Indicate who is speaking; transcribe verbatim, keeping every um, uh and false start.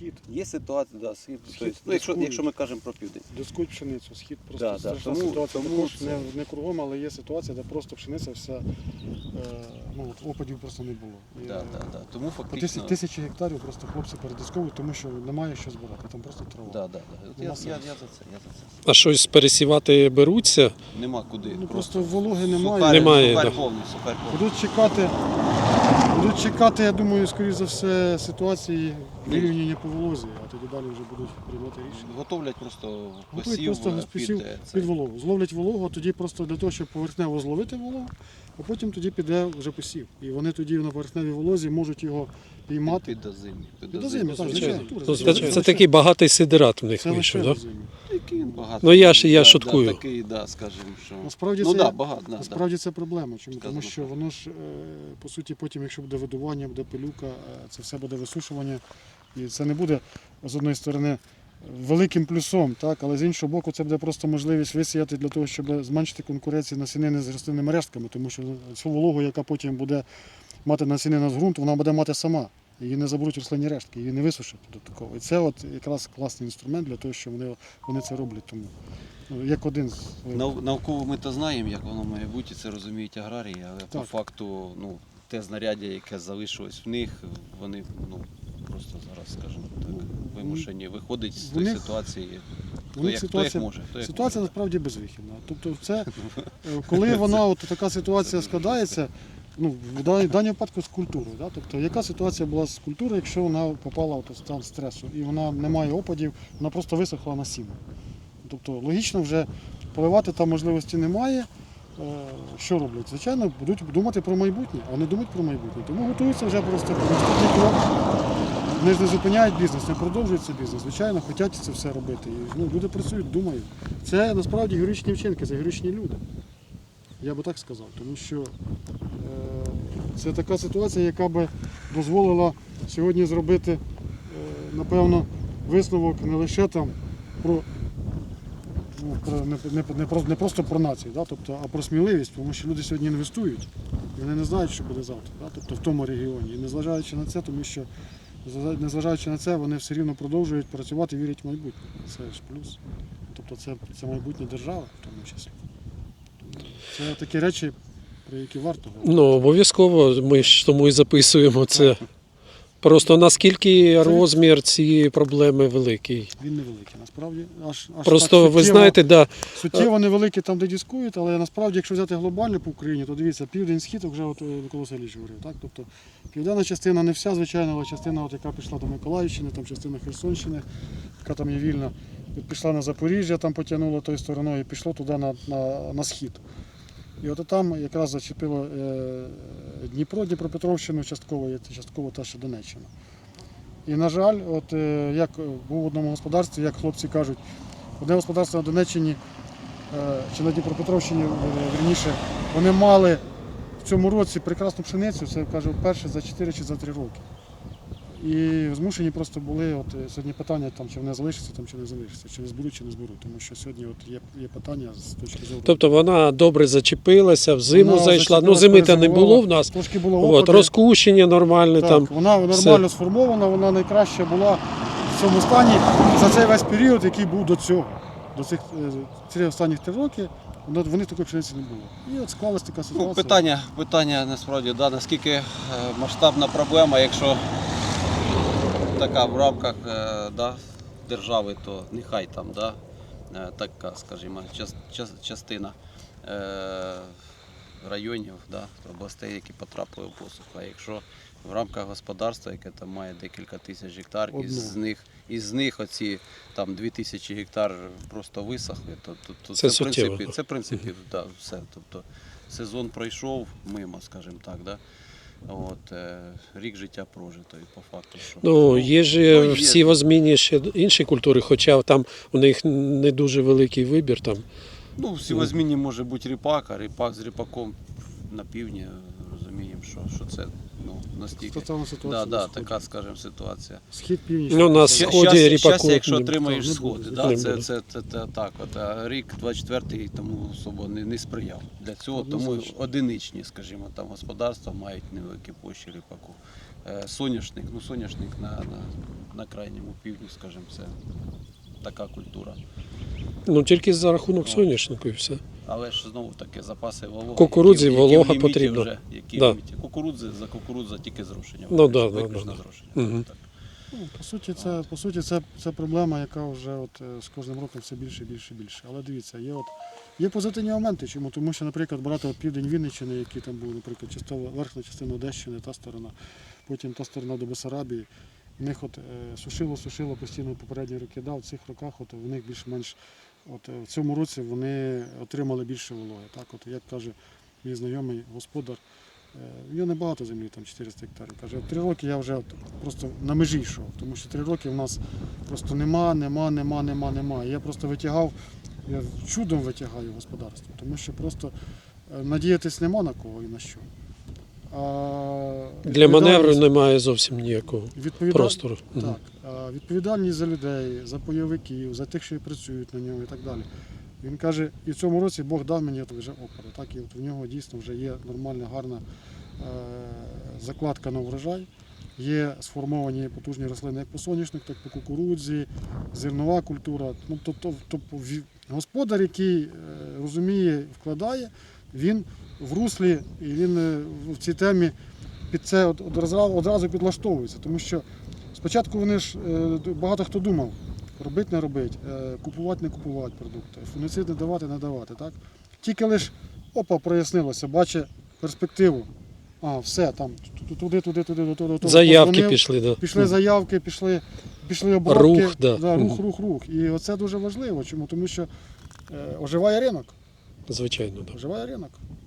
Speaker 1: схід.
Speaker 2: Є ситуація, да, схід,
Speaker 1: Схід
Speaker 2: тобто, ну, якщо,
Speaker 1: дискують.
Speaker 2: якщо ми кажемо про південь.
Speaker 1: Дискують пшеницю, схід просто
Speaker 2: Да, да,
Speaker 1: страшна
Speaker 2: тому-
Speaker 1: ситуація.
Speaker 2: тому
Speaker 1: Також
Speaker 2: це-
Speaker 1: не, не кругом, але є ситуація, де просто пшениця вся, е, ну, от опадів просто не було. І,
Speaker 2: Да, да, да. Тому
Speaker 1: по
Speaker 2: фактично...
Speaker 1: тисячі, тисячі гектарів просто хлопці передисковують, тому що немає що збирати, там просто трава.
Speaker 2: Да, да, да. От Я,
Speaker 1: Нема
Speaker 2: я, я
Speaker 1: сенсу.
Speaker 2: за це, я за це.
Speaker 3: А щось пересівати беруться?
Speaker 2: Нема куди.
Speaker 1: Ну, просто вологи немає.
Speaker 2: Сухарь,
Speaker 3: Немає,
Speaker 2: сухарь
Speaker 3: да.
Speaker 2: повний, сухарь повний.
Speaker 1: Будуть чекати, будуть чекати, я думаю, скоріш за все, ситуації вирівняння по волозі, а тоді далі вже будуть приймати рішення.
Speaker 2: Готовлять просто
Speaker 1: Готують
Speaker 2: посів
Speaker 1: просто
Speaker 2: е,
Speaker 1: посів
Speaker 2: під, е,
Speaker 1: під
Speaker 2: цей.
Speaker 1: вологу. Зловлять вологу, а тоді просто для того, щоб поверхнево зловити вологу, а потім тоді піде вже посів. І вони тоді на поверхневій волозі можуть його піймати.
Speaker 2: Під озимі. Під
Speaker 1: Під
Speaker 2: озимі.
Speaker 1: озимі, так,
Speaker 3: звичайно.
Speaker 1: звичайно.
Speaker 3: Ну,
Speaker 1: Звичайно.
Speaker 3: Це, це такий багатий сидират в них
Speaker 1: Це
Speaker 3: вийшов,
Speaker 1: лише
Speaker 3: так?
Speaker 1: озимі.
Speaker 2: Такий він багато.
Speaker 3: Ну, я ж- я
Speaker 2: Да,
Speaker 3: шуткую.
Speaker 2: Да, такий, да, скажімо, що...
Speaker 1: Насправді
Speaker 2: ну,
Speaker 1: це,
Speaker 2: да, багато, да,
Speaker 1: насправді це проблема. Чому?
Speaker 2: Сказано
Speaker 1: Тому що
Speaker 2: правильно.
Speaker 1: воно ж, е, по суті, потім, якщо буде видування, буде пилюка, е, це все буде висушування. І це не буде, з одної сторони, великим плюсом, так? Але з іншого боку, це буде просто можливість висіяти для того, щоб зменшити конкуренцію насінини з рослинними рештками, тому що цю вологу, яка потім буде мати насінина з ґрунту, вона буде мати сама. Її не заберуть рослинні рештки, її не висушать додатково. І це от якраз класний інструмент для того, що вони, вони це роблять. Тому ну, як один з
Speaker 2: Нау- Науково ми то знаємо, як воно має бути, це розуміють аграрії, але по
Speaker 1: Так.
Speaker 2: факту ну, те знаряддя, яке залишилось в них, вони ну, просто зараз, скажімо так, вимушені виходить з
Speaker 1: в
Speaker 2: тої
Speaker 1: них-
Speaker 2: ситуації,
Speaker 1: у
Speaker 2: хто
Speaker 1: них
Speaker 2: як, хто як
Speaker 1: ситуація-
Speaker 2: може. Хто як
Speaker 1: Ситуація
Speaker 2: може.
Speaker 1: насправді безвихідна. Тобто, це, е, коли вона от така ситуація складається, ну, в даній даній випадку з культурою. Да? Тобто, яка ситуація була з культурою, якщо вона попала от у стан стресу і вона не має опадів, вона просто висохла на сіно. Тобто логічно вже поливати там можливості немає. Е, Що роблять? Звичайно, будуть думати про майбутнє, а не думають про майбутнє. Тому готуються вже просто про наступний крок. Вони ж не зупиняють бізнес, не продовжують цей бізнес. Звичайно, хочуть це все робити. І, ну, люди працюють, думають. Це насправді героїчні вчинки, це героїчні люди. Я би так сказав. Тому що е, це така ситуація, яка би дозволила сьогодні зробити, е, напевно, висновок не лише там про, ну, про не, не, не, про- не просто про націю, да? Тобто, а про сміливість, тому що люди сьогодні інвестують. І вони не знають, що буде завтра, да? Тобто в тому регіоні. І незважаючи на це, тому що незважаючи на це, вони все рівно продовжують працювати і вірять в майбутнє. Це ж плюс. Тобто це, це майбутнє держави в тому числі. Тому це такі речі, про які варто говорити.
Speaker 3: Ну, обов'язково, ми ж тому і записуємо це. Просто наскільки розмір цієї проблеми великий.
Speaker 1: Він невеликий, насправді. Аж, аж
Speaker 3: Просто
Speaker 1: так
Speaker 3: ви
Speaker 1: суттєво-
Speaker 3: знаєте, да,
Speaker 1: суттєво невеликі там, де дискують, але насправді, якщо взяти глобально по Україні, то дивіться, південь-схід, вже от Микола Васильович говорив. Так? Тобто південна частина не вся, звичайно, але частина, от, яка пішла до Миколаївщини, там частина Херсонщини, яка там є вільна, пішла на Запоріжжя, там потягнула тою стороною і пішло туди на, на, на схід. І от там якраз зачепило е, Дніпро, Дніпропетровщину частково, є частково та ще Донеччина. І, на жаль, от е, як був в одному господарстві, як хлопці кажуть, одне господарство на Донеччині е, чи на Дніпропетровщині, е, вірніше, вони мали в цьому році прекрасну пшеницю, це каже, вперше за чотири чи за три роки. І змушені просто були, от е, сьогодні питання, там, чи вони залишаться, там, чи не залишаться, чи не зберуть, чи не зберуть, тому що сьогодні от є, є питання з точки зору.
Speaker 3: тобто вона добре зачепилася, в зиму
Speaker 1: Вона
Speaker 3: зайшла, ну
Speaker 1: зачепилась,
Speaker 3: зими-то не було в
Speaker 1: перезимувала,
Speaker 3: нас.
Speaker 1: Трошки було
Speaker 3: От,
Speaker 1: опади.
Speaker 3: розкущення нормальне
Speaker 1: Так,
Speaker 3: там.
Speaker 1: вона нормально сформована, вона найкраща була в цьому стані за цей весь період, який був до цього. До цих е, ці останніх три роки воно- вони такої пшениці не було. І от склалась така ситуація.
Speaker 2: Ну, питання, питання насправді, да, наскільки е, масштабна проблема, якщо така в рамках е, да, держави, то нехай там да, е, така, скажімо, час, час, частина е, районів, да, областей, які потрапили в посуху. А якщо в рамках господарства, яке там має декілька тисяч гектар,
Speaker 1: Одне.
Speaker 2: із них, із них оці там дві тисячі гектар просто висохли, то, то, то
Speaker 3: Це
Speaker 2: це, в
Speaker 3: суттєво.
Speaker 2: принципі, це в принципі да, все. Тобто сезон пройшов мимо, скажімо так, да? От, е, рік життя прожито і по факту, що
Speaker 3: Ну, є ж
Speaker 2: ну, є.
Speaker 3: в сівозміні ще інші культури, хоча там у них не дуже великий вибір. Там.
Speaker 2: Ну, в сівозміні може бути ріпак, а ріпак з ріпаком на півдні розуміємо, що, що це ну, настільки.
Speaker 1: Стосовно
Speaker 2: Да,
Speaker 1: ситуації
Speaker 2: да,
Speaker 1: на сході.
Speaker 2: така, скажімо, ситуація.
Speaker 1: Схід північ.
Speaker 3: Ну, на
Speaker 2: Ща-
Speaker 3: сході
Speaker 2: щастя-
Speaker 3: ріпаку
Speaker 2: щастя, якщо
Speaker 3: не-
Speaker 2: отримаєш
Speaker 1: не
Speaker 2: сходи,
Speaker 1: буде,
Speaker 2: да,
Speaker 3: не
Speaker 2: це,
Speaker 3: буде.
Speaker 2: це, це, це так. От, а рік двадцять четвертий тому особо не, не сприяв. Для цього тому
Speaker 1: Однозначно.
Speaker 2: одиничні, скажімо, там господарства мають невеликі площі ріпаку. Е, Соняшник, ну соняшник на, на, на крайньому півдні, скажімо, це така культура.
Speaker 3: Ну тільки за рахунок соняшнику і все.
Speaker 2: Але ж знову таки запаси вологи.
Speaker 3: Кукурудзі
Speaker 2: які- які
Speaker 3: волога
Speaker 2: в ліміті
Speaker 3: потрібна.
Speaker 2: Вже, які
Speaker 3: Да.
Speaker 2: в ліміті. Кукурудзи, за кукурудза тільки зрошення.
Speaker 3: Ну,
Speaker 2: виключно,
Speaker 3: да, да,
Speaker 2: виключно
Speaker 3: да, да.
Speaker 2: зрошення.
Speaker 3: Мгм.
Speaker 2: Так.
Speaker 1: Ну, по суті, це, по суті, це, це проблема, яка вже от, е, з кожним роком все більше, більше, більше. Але дивіться, є, от, є позитивні моменти. Чому? Тому що, наприклад, брати от південь Вінниччини, який там був, наприклад, частова, верхня частина Одещини, та сторона, потім та сторона до Бессарабії. В них от, е, сушило, сушило постійно попередні роки. Да, в цих роках от, в них більш-менш от, е, в цьому році вони отримали більше вологи. Так, от, як каже мій знайомий господар, Е, в нього небагато землі, там чотириста гектарів. Каже, три роки я вже от просто на межі йшов, тому що три роки в нас просто нема, нема, нема, нема, нема. І я просто витягав, я чудом витягаю господарство, тому що просто е, надіятись нема на кого і на що. А
Speaker 3: Для маневру
Speaker 1: відповідальність-
Speaker 3: немає зовсім ніякого
Speaker 1: відповіда-
Speaker 3: простору. Мгм.
Speaker 1: Так, а відповідальність за людей, за бойовиків, за тих, що працюють на ньому і так далі. Він каже, і в цьому році Бог дав мені от вже опори. Так, і от в нього дійсно вже є нормальна, гарна е, закладка на врожай. Є сформовані потужні рослини як по соняшник, так і по кукурудзі, зернова культура. Ну, тобто, тобто ві- господар, який е, розуміє, вкладає, він в руслі і він е, в цій темі під це от- одразу, одразу підлаштовується. Тому що спочатку вони ж е, багато хто думав, робити не робити, е, купувати не купувати продукти, фунгіцид не давати не давати. Так? Тільки лише опа прояснилося, бачить перспективу. А, все, там ту- туди, туди, туди, до того, до того.
Speaker 3: Заявки
Speaker 1: Позвонив,
Speaker 3: пішли, да.
Speaker 1: Пішли заявки, пішли, пішли обробки.
Speaker 3: Рух, да.
Speaker 1: Да, рух,
Speaker 3: Мгм.
Speaker 1: рух, рух. І оце дуже важливо. Чому? Тому що е, оживає ринок.
Speaker 3: Звичайно, да.
Speaker 1: Оживає ринок.